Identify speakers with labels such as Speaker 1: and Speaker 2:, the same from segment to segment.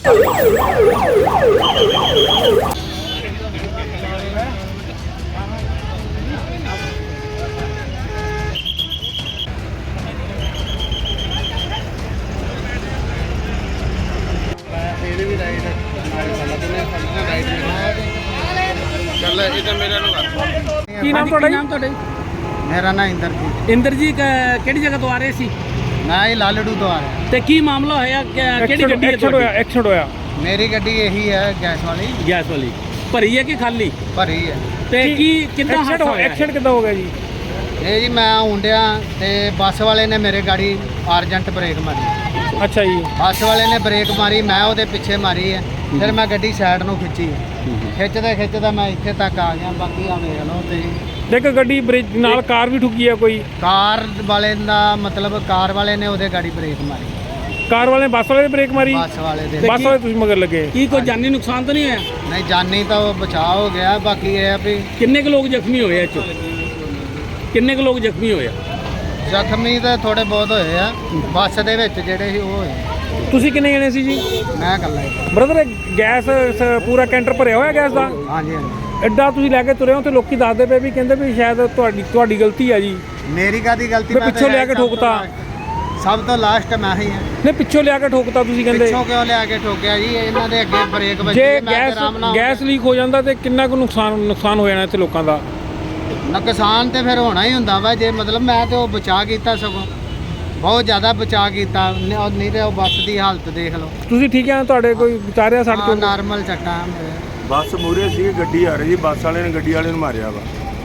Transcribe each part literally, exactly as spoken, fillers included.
Speaker 1: ਕੀ ਨਾਮ ਤੁਹਾਡਾ? ਨਾਮ ਤੁਹਾਡਾ?
Speaker 2: ਮੇਰਾ ਨਾਮ ਇੰਦਰਜੀਤ।
Speaker 1: ਇੰਦਰ ਜੀ ਕਿਹੜੀ ਜਗ੍ਹਾ ਤੋਂ ਆ ਰਹੇ ਸੀ?
Speaker 2: ਮੈਂ ਇਹ ਲਾਲੜੂ ਤੋਂ ਆ ਰਿਹਾ।
Speaker 1: ਤੇ ਕੀ ਮਾਮਲਾ ਹੋਇਆ? ਕਿਹੜੀ ਗੱਡੀ
Speaker 3: ਐਕਸੀਡੈਂਟ ਹੋਇਆ? ਐਕਸੀਡੈਂਟ ਹੋਇਆ।
Speaker 2: ਮੇਰੀ ਗੱਡੀ ਇਹੀ ਹੈ, ਗੈਸ ਵਾਲੀ।
Speaker 1: ਗੈਸ ਵਾਲੀ ਭਰੀ ਹੈ ਕਿ ਖਾਲੀ?
Speaker 2: ਭਰੀ ਹੈ।
Speaker 1: ਤੇ ਕੀ ਕਿੰਨਾ ਹਾਦਸਾ ਹੋਇਆ?
Speaker 3: ਐਕਸੀਡੈਂਟ ਕਿੱਦਾਂ ਹੋ ਗਿਆ ਜੀ?
Speaker 2: ਇਹ ਜੀ ਮੈਂ ਹੁੰਡਿਆ ਤੇ ਬੱਸ ਵਾਲੇ ਨੇ ਮੇਰੇ ਗਾੜੀ ਅਰਜੈਂਟ ਬ੍ਰੇਕ ਮਾਰੀ।
Speaker 3: ਅੱਛਾ ਜੀ।
Speaker 2: ਬੱਸ ਵਾਲੇ ਨੇ ਬ੍ਰੇਕ ਮਾਰੀ, ਮੈਂ ਉਹਦੇ ਪਿੱਛੇ ਮਾਰੀ ਹੈ। ਫਿਰ ਮੈਂ ਗੱਡੀ ਸਾਈਡ ਨੂੰ ਖਿੱਚੀ, ਖਿੱਚਦਾ ਖਿੱਚਦਾ ਮੈਂ ਇੱਥੇ ਤੱਕ ਆ ਗਿਆ। ਬਾਕੀ ਆ ਵੇਖ ਲਓ ਤੇ
Speaker 3: ਦੇਖ ਗੱਡੀ ਬ੍ਰੇਕ ਨਾਲ ਕਾਰ ਵੀ ਠੁੱਕੀ ਹੈ ਕੋਈ?
Speaker 2: ਕਾਰ ਵਾਲੇ ਦਾ ਮਤਲਬ ਕਾਰ ਵਾਲੇ ਨੇ ਉਹਦੇ ਗਾੜੀ ਬ੍ਰੇਕ ਮਾਰੀ।
Speaker 3: ਕਾਰ ਵਾਲੇ ਨੇ ਬੱਸ ਵਾਲੇ ਨੇ ਬ੍ਰੇਕ ਮਾਰੀ?
Speaker 2: ਬੱਸ ਵਾਲੇ ਦੇ।
Speaker 3: ਬੱਸ ਵਾਲੇ ਤੁਸੀਂ ਮਗਰ ਲੱਗੇ?
Speaker 1: ਕੀ ਕੋਈ ਜਾਨੀ ਨੁਕਸਾਨ ਤਾਂ ਨਹੀਂ ਹੈ?
Speaker 2: ਨਹੀਂ, ਜਾਨੀ ਤਾਂ ਉਹ ਬਚਾਅ ਹੋ ਗਿਆ। ਬਾਕੀ ਇਹ ਆ ਵੀ
Speaker 1: ਕਿੰਨੇ ਕੁ ਲੋਕ ਜ਼ਖਮੀ ਹੋਏ? ਇਹ 'ਚ ਕਿੰਨੇ ਕੁ ਲੋਕ ਜ਼ਖਮੀ ਹੋਏ?
Speaker 2: ਜ਼ਖਮੀ ਤਾਂ ਥੋੜੇ ਬਹੁਤ ਹੋਏ ਆ ਬੱਸ ਦੇ ਵਿੱਚ ਜਿਹੜੇ ਸੀ ਉਹ ਹੋਏ।
Speaker 3: ਤੁਸੀਂ ਕਿੰਨੇ ਜਣੇ ਸੀ ਜੀ?
Speaker 2: ਮੈਂ ਇਕੱਲਾ ਹੀ।
Speaker 3: ਬ੍ਰਦਰ ਗੈਸ ਸ- ਪੂਰਾ ਕੈਂਟਰ ਭਰਿਆ ਹੋਇਆ ਗੈਸ ਦਾ?
Speaker 2: ਹਾਂਜੀ ਹਾਂਜੀ।
Speaker 3: ਐਡਾ ਤੁਸੀਂ ਲੈ ਕੇ ਤੁਰੇ ਹੋ ਤੇ ਲੋਕੀ ਦੱਸਦੇ ਪਏ ਵੀ ਕਹਿੰਦੇ ਵੀ ਸ਼ਾਇਦ ਤੁਹਾਡੀ ਤੁਹਾਡੀ ਗਲਤੀ ਆ ਜੀ।
Speaker 2: ਮੇਰੀ ਕਾਹਦੀ ਗਲਤੀ?
Speaker 3: ਮੈਂ ਪਿੱਛੋਂ ਲਿਆ ਕੇ ਠੋਕਤਾ।
Speaker 2: ਸਭ ਤੋਂ ਲਾਸਟ ਮੈਂ ਹੀ ਹਾਂ।
Speaker 3: ਨਹੀਂ ਪਿੱਛੋਂ ਲਿਆ ਕੇ ਠੋਕਤਾ ਤੁਸੀਂ ਕਹਿੰਦੇ?
Speaker 2: ਪਿੱਛੋਂ ਕਿਉਂ ਲਿਆ ਕੇ ਠੋਕਿਆ ਜੀ? ਇਹਨਾਂ ਦੇ ਅੱਗੇ ਬ੍ਰੇਕ ਵੱਜੀ।
Speaker 3: ਜੇ
Speaker 2: ਮੈਂ
Speaker 3: ਗੈਸ
Speaker 2: ਆਰਾਮ ਨਾਲ
Speaker 3: ਗੈਸ ਲੀਕ ਹੋ ਜਾਂਦਾ ਤੇ ਕਿੰਨਾ ਕੁ ਨੁਕਸਾਨ ਨੁਕਸਾਨ ਹੋ ਜਾਣਾ ਇੱਥੇ ਲੋਕਾਂ ਦਾ?
Speaker 2: ਨੁਕਸਾਨ ਤੇ ਫਿਰ ਹੋਣਾ ਹੀ ਹੁੰਦਾ ਵਾ। ਜੇ ਮਤਲਬ ਮੈਂ ਤੇ ਉਹ ਬਚਾ ਕੀਤਾ, ਸਗੋਂ ਬਹੁਤ ਜ਼ਿਆਦਾ ਬਚਾ ਕੀਤਾ। ਨ- ਉਹ ਨਹੀਂ ਤੇ ਉਹ ਬੱਸ ਦੀ ਹਾਲਤ ਦੇਖ ਲਓ।
Speaker 3: ਤੁਸੀਂ ਠੀਕ ਆ? ਤੁਹਾਡੇ ਕੋਈ ਵਿਚਾਰਿਆ ਸੜਕ
Speaker 2: ਹਾਂ,
Speaker 3: ਤੋਂ?
Speaker 2: ਨਾਰਮਲ ਚੱਟਾਂ ਮੇਰੇ।
Speaker 4: ਬੱਸ ਮੂਹਰੇ ਸੀ, ਗੱਡੀ ਆ ਰਹੀ ਸੀ, ਬੱਸ ਵਾਲੇ ਨੇ ਗੱਡੀ ਵਾਲੇ ਨੂੰ ਮਾਰਿਆ ਵਾ।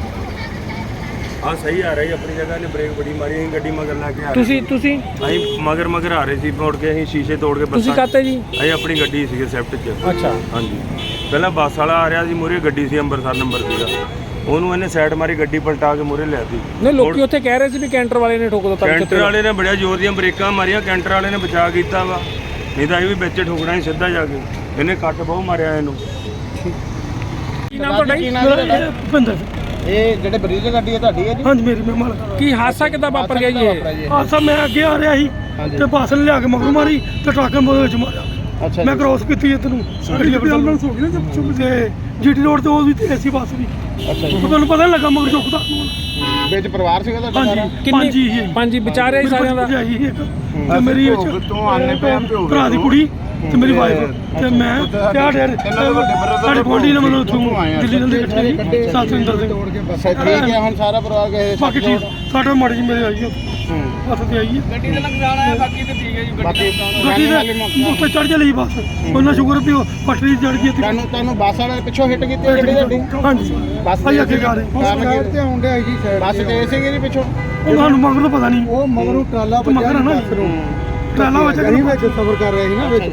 Speaker 4: ਹਾਂ ਸਹੀ ਆ ਰਹੀ ਆਪਣੀ ਜਗ੍ਹਾ ਨੇ, ਬ੍ਰੇਕ ਬੜੀ ਮਾਰੀ। ਅਸੀਂ ਗੱਡੀ ਮਗਰ ਲਾ ਕੇ ਆ ਰਹੇ
Speaker 3: ਤੁਸੀਂ ਤੁਸੀਂ
Speaker 4: ਅਸੀਂ ਮਗਰ ਮਗਰ ਆ ਰਹੇ ਸੀ, ਮੁੜ ਕੇ ਅਸੀਂ ਸ਼ੀਸ਼ੇ ਤੋੜ ਕੇ
Speaker 3: ਤੁਸੀਂ ਕਾਤੇ ਜੀ?
Speaker 4: ਅਸੀਂ ਆਪਣੀ ਗੱਡੀ ਸੀਗੇ ਸਵਿਫਟ 'ਚ।
Speaker 3: ਅੱਛਾ।
Speaker 4: ਹਾਂਜੀ, ਪਹਿਲਾਂ ਬੱਸ ਵਾਲਾ ਆ ਰਿਹਾ ਸੀ, ਮੂਹਰੇ ਗੱਡੀ ਸੀ, ਅੰਮ੍ਰਿਤਸਰ ਨੰਬਰ ਸੀਗਾ। ਉਹਨੂੰ ਇਹਨੇ ਸਾਈਡ ਮਾਰੀ, ਗੱਡੀ ਪਲਟਾ ਕੇ ਮੂਹਰੇ ਲਿਆਤੀ।
Speaker 3: ਨਹੀਂ ਲੋਕੀ ਉੱਥੇ ਕਹਿ ਰਹੇ ਸੀ ਵੀ ਕੈਂਟਰ ਵਾਲੇ ਨੇ ਠੋਕ ਦਿੱਤਾ।
Speaker 4: ਕੈਂਟਰ ਵਾਲੇ ਨੇ ਬੜਿਆ ਜ਼ੋਰ ਦੀਆਂ ਬ੍ਰੇਕਾਂ ਮਾਰੀਆਂ, ਕੈਂਟਰ ਵਾਲੇ ਨੇ ਬਚਾ ਕੀਤਾ ਵਾ। ਨਹੀਂ ਤਾਂ ਇਹ ਵੀ ਵਿੱਚ ਠੋਕਣਾ ਸੀ ਸਿੱਧਾ ਜਾ ਕੇ। ਇਹਨੇ ਕੱਟ ਬਹੁਤ ਮਾਰਿਆ ਇਹਨੂੰ।
Speaker 3: ਕੀ ਨਾਮ ਤੁਹਾਡਾ ਜੀ?
Speaker 5: ਭੁਪਿੰਦਰ।
Speaker 2: ਇਹ ਜਿਹੜੇ ਬਰੀਜ ਗੱਡੀ ਹੈ ਤੁਹਾਡੀ ਹੈ ਜੀ?
Speaker 5: ਹਾਂਜੀ ਮੇਰੀ ਮਹਿਮਾਨ।
Speaker 3: ਕੀ ਹਾਦਸਾ ਕਿੱਦਾਂ ਵਾਪਰ ਗਿਆ ਜੀ ਇਹ?
Speaker 5: ਹਾਦਸਾ ਮੈਂ ਅੱਗੇ ਆ ਰਿਹਾ ਸੀ ਤੇ ਬੱਸ ਨੇ ਲਿਆ ਕੇ ਮਗਰ ਮਾਰੀ ਤੇ ਟਰੱਕ ਨੇ ਉਹਦੇ ਵਿੱਚ ਮਾਰਿਆ।
Speaker 2: ਅੱਛਾ।
Speaker 5: ਮੈਂ ਕ੍ਰੋਸ ਕੀਤੀ ਇੱਧਰ ਨੂੰ ਗੱਡੀ ਐਂਬੂਲੈਂਸ ਹੋ ਗਈ ਨਾ ਤੇ ਜੀਟੀ ਰੋਡ ਤੇ ਉਹ ਵੀ ਤੇ ਐਸੀ ਬੱਸ ਵੀ। ਅੱਛਾ ਜੀ। ਤੁਹਾਨੂੰ ਪਤਾ ਨਹੀਂ ਲੱਗਾ ਮਗਰ ਚੁੱਕਦਾ।
Speaker 2: ਵਿੱਚ ਪਰਿਵਾਰ ਸੀਗਾ ਤੁਹਾਡਾ?
Speaker 5: ਹਾਂਜੀ ਪੰਜ ਹੀ ਸੀ।
Speaker 3: ਪੰਜ ਹੀ ਵਿਚਾਰੇ ਹੀ ਸਾਰਿਆਂ ਦਾ?
Speaker 5: ਤੇ ਮੇਰੀ ਵਿੱਚ ਭਰਾ ਦੀ ਕੁੜੀ ਤੇ ਮੇਰੀ ਵਾਈਫ ਤੇ ਮੈਂ ਤੇ ਆ ਡੇਰ ਸਾਡੇ ਗੁਆਂਢੀ ਨੇ ਮੈਨੂੰ ਉੱਥੋਂ ਦਿੱਲੀ ਨਾਲ ਇਕੱਠੇ ਸਤਿੰਦਰ ਸਿੰਘ।
Speaker 2: ਠੀਕ ਹੈ, ਹੁਣ ਸਾਰਾ ਪਰਿਵਾਰ ਗਏ?
Speaker 5: ਬਾਕੀ ਠੀਕ ਸਾਡਾ ਮਾੜੀ ਜੀ ਮੇਰੇ ਆਈ ਹੈ ਬੱਸ ਤੇ ਆਈ ਹੈ।
Speaker 1: ਗੱਡੀ ਦਾ ਨੁਕਸਾਨ ਆਇਆ, ਬਾਕੀ ਤਾਂ ਠੀਕ ਹੈ ਜੀ।
Speaker 2: ਬਾਕੀ
Speaker 5: ਗੱਡੀ ਦੇ ਉੱਤੇ ਚੜ ਚਲੀ ਬੱਸ। ਉਹਨਾਂ ਸ਼ੁਕਰ ਵੀ ਉਹ ਪਟੜੀ ਚੜ ਗਈ।
Speaker 2: ਤੁਹਾਨੂੰ ਤੁਹਾਨੂੰ ਬੱਸ ਵਾਲੇ ਪਿੱਛੋਂ ਹਿੱਟ ਕੀਤੀ ਗੱਡੀ ਤੁਹਾਡੀ?
Speaker 5: ਹਾਂਜੀ
Speaker 2: ਬੱਸ
Speaker 5: ਭਾਈ ਅੱਗੇ ਜਾ ਰਹੇ
Speaker 2: ਸਾਈਡ ਤੇ ਆਉਂਦੇ ਆਈ ਜੀ। ਸਾਈਡ ਬੱਸ ਤੇ ਸੀਗੀ ਜੀ ਪਿੱਛੋਂ?
Speaker 5: ਉਹ ਸਾਨੂੰ ਮਗਰ ਤੋਂ ਪਤਾ ਨਹੀਂ।
Speaker 2: ਉਹ ਮਗਰੋਂ ਟਰਾਲਾ
Speaker 5: ਮਗਰ ਨਾ ਟਰਾਲਾ ਵਿੱਚ
Speaker 2: ਸਫਰ ਕਰ ਰਹੇ ਸੀ ਨਾ ਵਿੱਚ।